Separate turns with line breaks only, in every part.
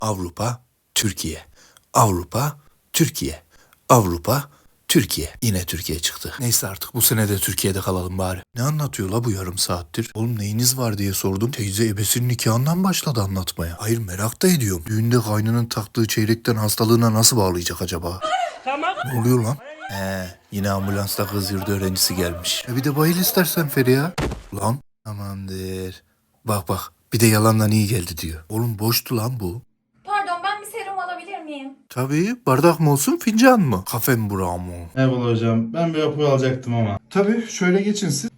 Avrupa, Türkiye. Avrupa, Türkiye. Avrupa, Türkiye. Yine Türkiye çıktı. Neyse artık bu sene de Türkiye'de kalalım bari. Ne anlatıyor la bu yarım saattir? Oğlum neyiniz var diye sordum. Teyze ebesinin nikahından başladı anlatmaya. Hayır merak da ediyorum. Düğünde kaynının taktığı çeyrekten hastalığına nasıl bağlayacak acaba?
Tamam.
Ne oluyor lan? Yine ambulansta kız yurdu öğrencisi gelmiş. Bir de bayıl istersen Feriha. Lan amandır. Bak bir de yalandan iyi geldi diyor. Oğlum boştu lan bu.
Pardon, ben bir serum alabilir miyim?
Tabii bardak mı olsun fincan mı? Kafe mi bura mı?
Eyvallah hocam. Ben bir apoyu alacaktım ama. Tabii şöyle geçin siz.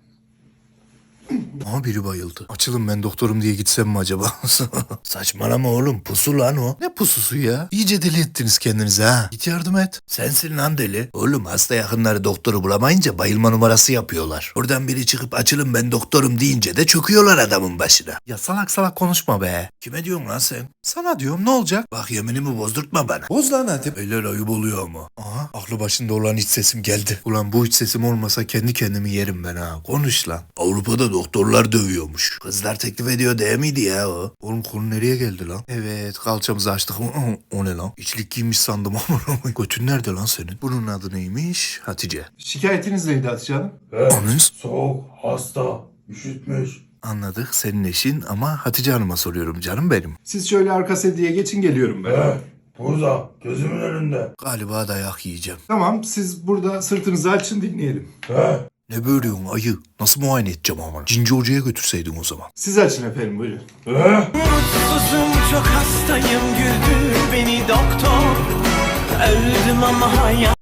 Aha biri bayıldı. Açılın ben doktorum diye gitsem mi acaba? Saçmalama oğlum pusu lan o. Ne pususu ya? İyice deli ettiniz kendinizi ha. Git yardım et. Sensin lan deli. Oğlum hasta yakınları doktoru bulamayınca bayılma numarası yapıyorlar. Oradan biri çıkıp açılın ben doktorum deyince de çöküyorlar adamın başına. Ya salak konuşma be. Kime diyorsun lan sen? Sana diyorum ne olacak? Bak yeminimi bozdurtma bana. Boz lan hadi. Beyler ayıp oluyor ama. Aha aklı başında olan iç sesim geldi. Ulan bu iç sesim olmasa kendi kendimi yerim ben ha. Konuş lan. Avrupa'da doktorlar dövüyormuş. Kızlar teklif ediyor değil miydi ya o? Oğlum konu nereye geldi lan? Evet kalçamızı açtık. O ne lan? İçlik giymiş sandım ama. Götün nerede lan senin? Bunun adı neymiş? Hatice.
Şikayetiniz neydi Hatice Hanım?
Anız?
Soğuk, hasta, üşütmüş.
Anladık senin eşin ama Hatice Hanım'a soruyorum canım benim.
Siz şöyle arka sediye geçin geliyorum ben.
Burada, gözümün önünde.
Galiba dayak yiyeceğim.
Tamam siz burada sırtınızı açın dinleyelim.
Ne böğürüyorsun ayı? Nasıl muayene edeceğim ama? Cinci hocaya götürseydin o zaman.
Siz açın efendim buyurun.
Mutsuzum çok hastayım güldür beni doktor. Öldüm ama hayat.